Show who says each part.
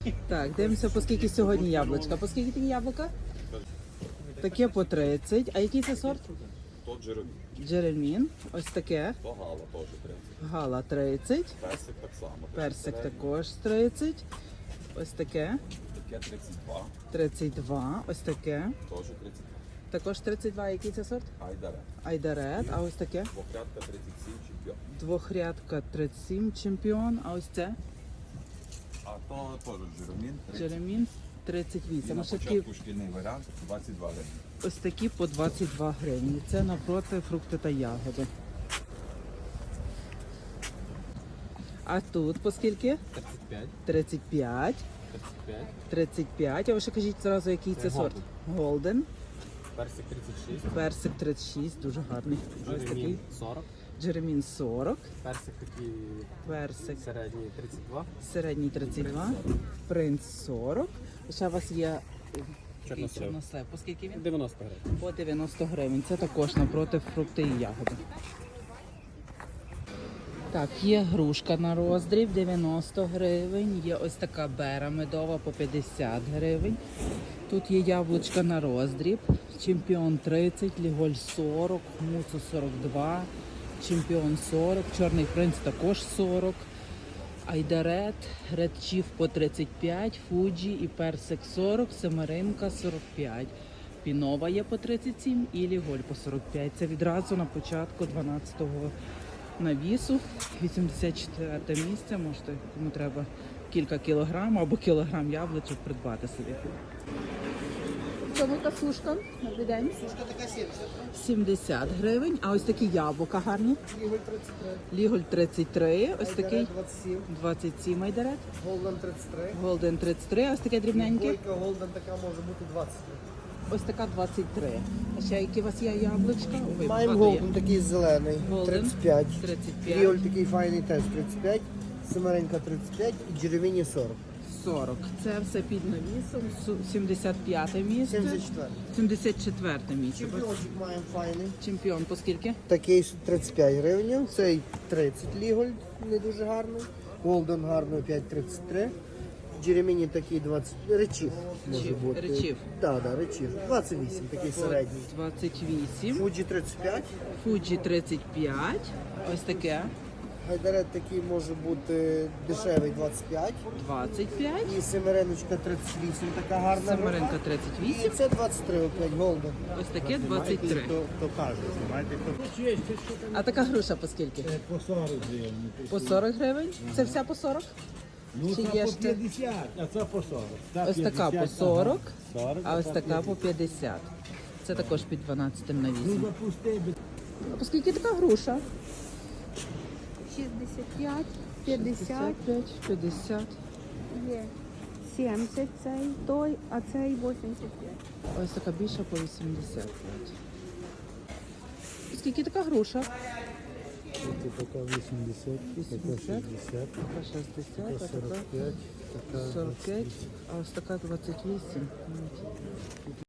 Speaker 1: Так, дивимося, по скільки сьогодні яблучка. По скільки такі яблука? Таке по 30. А який це сорт?
Speaker 2: То Джеремін.
Speaker 1: Джеремін. Ось таке.
Speaker 2: То Гала теж 30.
Speaker 1: Гала 30.
Speaker 2: Персик так само.
Speaker 1: Персик також 30. Ось таке.
Speaker 2: Таке 32.
Speaker 1: 32. Ось таке.
Speaker 2: Теж 32.
Speaker 1: Також 32. Який це сорт?
Speaker 2: Айдаре.
Speaker 1: Айдарет. А ось таке?
Speaker 2: Двохрядка 37 чемпіон.
Speaker 1: Двохрядка 37 чемпіон. А ось це?
Speaker 2: А то теж Джеремін.
Speaker 1: Джеремін
Speaker 2: І
Speaker 1: 38.
Speaker 2: на
Speaker 1: Ось такі,
Speaker 2: початку шкільний варіант 22 гривні.
Speaker 1: ось такі по 22 гривні. Це навпроти фрукти та ягоди. А тут по скільки?
Speaker 3: 35,
Speaker 1: 35.
Speaker 3: 35,
Speaker 1: 35. А ви ще кажіть зразу, який це сорт? Голден.
Speaker 3: персик 36,
Speaker 1: Персик 36, дуже гарний. А ось такий
Speaker 3: Джеремін 40,
Speaker 1: Джеремін 40.
Speaker 3: персик такий
Speaker 1: Персик
Speaker 3: середній 32,
Speaker 1: середній 32. Принц 40. Ще у вас є такий
Speaker 3: Чорнослив.
Speaker 1: чорнослив. По скільки він?
Speaker 3: 90 гривень.
Speaker 1: По 90 гривень. Це також напроти фрукти і ягоди. Так, є грушка на роздріб 90 гривень. Є ось така бера медова по 50 гривень. Тут є яблучка на роздріб. Чемпіон 30, ліголь 40, муцо 42, чемпіон 40, чорний принц також 40. Айдарет, редчів по 35, фуджі і персик 40, семеринка 45. Пінова є по 37 і ліголь по 45. Це відразу на початку 12-го навісу. 84 місце. Можете, кому треба кілька кілограм або кілограм яблучок придбати собі. Чому та сушка? Добрий день.
Speaker 4: Сушка така 70.
Speaker 1: 70 гривень. А ось такі яблука гарні.
Speaker 4: Ліголь 33.
Speaker 1: Ліголь 33, ось такий
Speaker 4: Айдарет 27.
Speaker 1: 27 айдарет.
Speaker 4: Голден 33.
Speaker 1: Голден 33, ось таке дрібненьке.
Speaker 4: Бойка Голден така може бути 20.
Speaker 1: Ось така 23. А ще які у вас є яблучка? Ой,
Speaker 4: Маємо
Speaker 1: багато є.
Speaker 4: Голден такий зелений.
Speaker 1: Голден
Speaker 4: 35.
Speaker 1: 35.
Speaker 4: Ліголь такий файний теж 35. Семеренька 35 і Джеревіні 40.
Speaker 1: 40. Це все під навісом. 75 місце.
Speaker 4: 74.
Speaker 1: 74 місце.
Speaker 4: Чемпіончик маємо файний.
Speaker 1: Чемпіон по скільки?
Speaker 4: Такий 35 гривень. Цей 30 ліголь, не дуже гарний. Голден гарний 5,33. Джереміні такий 20. Речів може
Speaker 1: Речів,
Speaker 4: бути.
Speaker 1: речів.
Speaker 4: Так, да, речів. 28, такий середній.
Speaker 1: 28.
Speaker 4: Фуджі 35.
Speaker 1: Фуджі 35. Ось таке.
Speaker 4: Гайдарет такий може бути дешевий 25.
Speaker 1: 25.
Speaker 4: І семереночка 38, така гарна.
Speaker 1: Семеринка
Speaker 4: І
Speaker 1: 38.
Speaker 4: це 23 опять голден.
Speaker 1: Ось таке 23.
Speaker 5: То кажуть, знаєте,
Speaker 1: А така груша по скільки?
Speaker 5: по 40 гривень.
Speaker 1: По 40 гривень? Це вся по 40?
Speaker 5: Ну,
Speaker 1: Чи
Speaker 5: це
Speaker 1: є
Speaker 5: по
Speaker 1: ще?
Speaker 5: 50, а це по 40. Та
Speaker 1: Ось така
Speaker 5: 50,
Speaker 1: по 40,
Speaker 5: ага, 40,
Speaker 1: а ось
Speaker 5: та
Speaker 1: така по 50. Це також під 12 навісом.
Speaker 5: запусти.
Speaker 1: А по скільки така груша?
Speaker 6: 65, 50
Speaker 1: 55, 50.
Speaker 6: є. 70 цей, той, а цей 85.
Speaker 1: Ось така більша по 85. І скільки така груша?
Speaker 5: Це така 80,
Speaker 1: 80,
Speaker 5: така 60,
Speaker 1: така 60,
Speaker 5: така
Speaker 1: а така
Speaker 5: 45, така
Speaker 1: 45, а ось така 28.